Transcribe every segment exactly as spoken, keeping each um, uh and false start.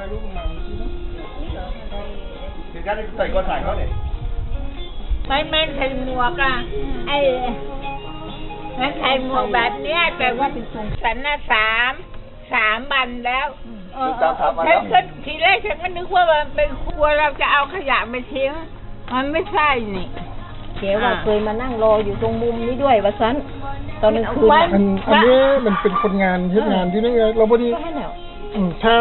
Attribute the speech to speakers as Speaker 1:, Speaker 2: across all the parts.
Speaker 1: lúc nào thì cái này thầy con thầy có này
Speaker 2: ไม่แม่นใส่หมวกอ่ะไอ้มันใส่หมวกแบบเนี้ยแต่ว่าฉันน่ะสามสามวันแล้วเออฉันก็ทีแรกฉันก็นึกว่ามันเป็นครัวเราจะเอาขยะไปทิ้งมันไม่ใช่นี่
Speaker 3: เก๋ว่าเคยมานั่งรออยู่ตรงมุมนี้ด้วยวะซันตอนกลางคืนอัน
Speaker 4: อันนี้มันเป็นคนงานเฮ็ดงานที่นี่เราพอดีอืมถ้า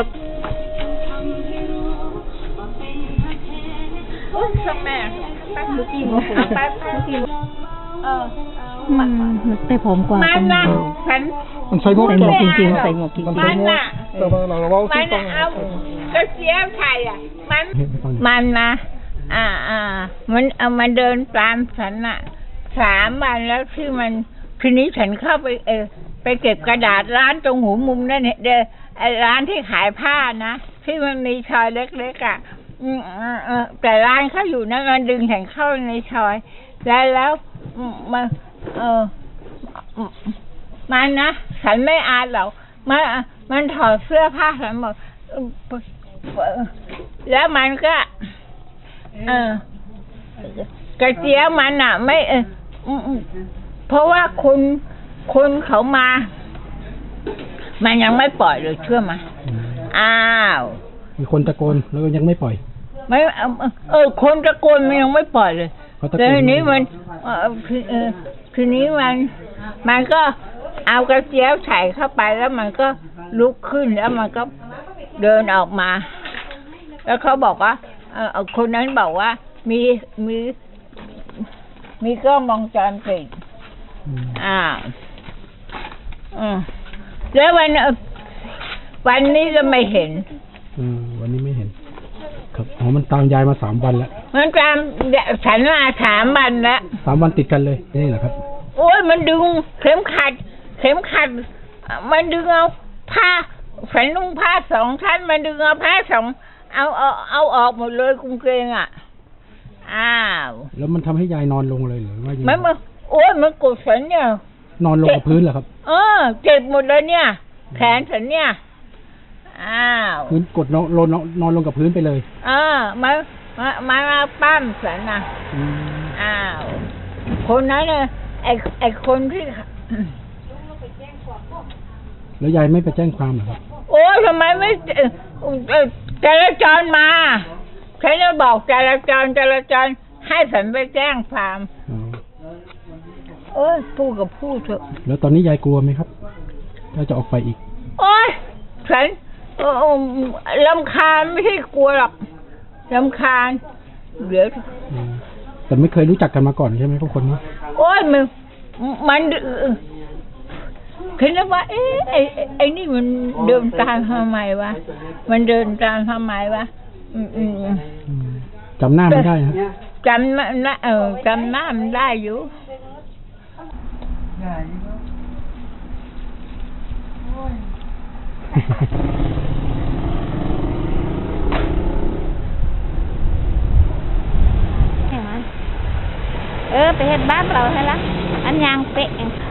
Speaker 2: โอ้ยสมัยแป๊บนึงกินแป๊บแป๊บกินเออ
Speaker 3: มันได้ผมกว่า
Speaker 2: มันน่ะฉัน
Speaker 4: มันใส่หมวก
Speaker 3: จริงๆใส่หมวกจริงๆ
Speaker 2: มันน่ะ
Speaker 4: แต่ว่าเราเรา
Speaker 2: มันเอากระเจี๊ยบไทยอ่ะมันมันนะอ่าอ่ามันเอามาเดินตามฉันน่ะสามวันแล้วที่มันทีนี้ฉันเข้าไปเออไปเก็บกระดาษร้านตรงหูมุมนั่นเนี่ยเด้อไอ้ร้านที่ขายผ้านะที่มันมีชอยเล็กๆอ่ะอืมเออแต่ร้านเขาอยู่นั่นมันดึงฉันเข้าในชอยแล้วแล้วมันเออมันนะฉันไม่อายหรอกมันมันถอดเสื้อผ้าฉันหมดแล้วมันก็เออกระเจี๊ยบมันอ่ะไม่เออเพราะว่าคุณคุณเขามามันยังไม่ปล่อยเลยเชื่อไหมอ้าว
Speaker 4: มีคนตะโกนแล้วยังไม่ปล่อย
Speaker 2: ไม่เออคนตะโกนมันยังไม่ปล่อยเลยแต่ทีนี้มันเออทีนี้มันมันก็เอากระเจี๊ยบใส่เข้าไปแล้วมันก็ลุกขึ้นแล้วมันก็เดินออกมาแล้วเขาบอกว่าเออคนนั้นบอกว่ามีมีมีกล้องวงจรปิดอ่าอืมแล้ววันวันนี้ก็ไม่เห็น
Speaker 4: อืมวันนี้ไม่เห็นครับอ๋อมันตามยายมาสามวันแล้ว
Speaker 2: มันตามฉันมาสามวันแล้ว
Speaker 4: สามวันติดกันเลยนี่แหละครับ
Speaker 2: โอ้ยมันดึงเข็มขัดเข็มขัดมันดึงเอาผ้าฉันนุ่งผ้าสองชั้นมันดึงเอาผ้าสองเอาเอาเอาออกหมดเลยกุ้งเกงอ่ะอ้าว
Speaker 4: แล้วมันทำให้ยายนอนลงเลยหรือว่า
Speaker 2: มันมันโอ้ยมันกดฉันเนี่ย
Speaker 4: นอนลงกับพื้นเหรอครับ
Speaker 2: เออเจ็บหมดเลยเนี่ยแขนฉันเนี่ยอ้าว
Speaker 4: พื้นกดนอนนอนนอนลงกับพื้นไปเลย
Speaker 2: อ่ามามามาปั้มฉันนะอ้าวคนนั้นเนี่ยไอไอคนที่
Speaker 4: แล้วยายไม่ไปแจ้งความเหรอครับ
Speaker 2: โอ้ทำไมไม่จราจรมาฉันจะบอกจราจรจราจรให้ฉันไปแจ้งความโอ้ยพูดกับพูดเถอะ
Speaker 4: แล้วตอนนี้ยายกลัวไหมครับถ้าจะออกไปอีก
Speaker 2: โอ้ยฉันรำคาญไม่ใช่กลัวหรอกรำคาญเดี๋ยว
Speaker 4: แต่ไม่เคยรู้จักกันมาก่อนใช่ไหมพวกคนนี้
Speaker 2: โอ้ยมันมันคิดว่าเอ๊ะไอ้ไอ้นี่มันเดินตามทำไมวะมันเดินตามทำไมวะ
Speaker 4: จำหน้ามันได้ครับ
Speaker 2: จำหน้าเออจำหน้ามันได้อยู่
Speaker 3: เออไปเฮ็ดบ้านเราให้ละอันยางเป๊ะ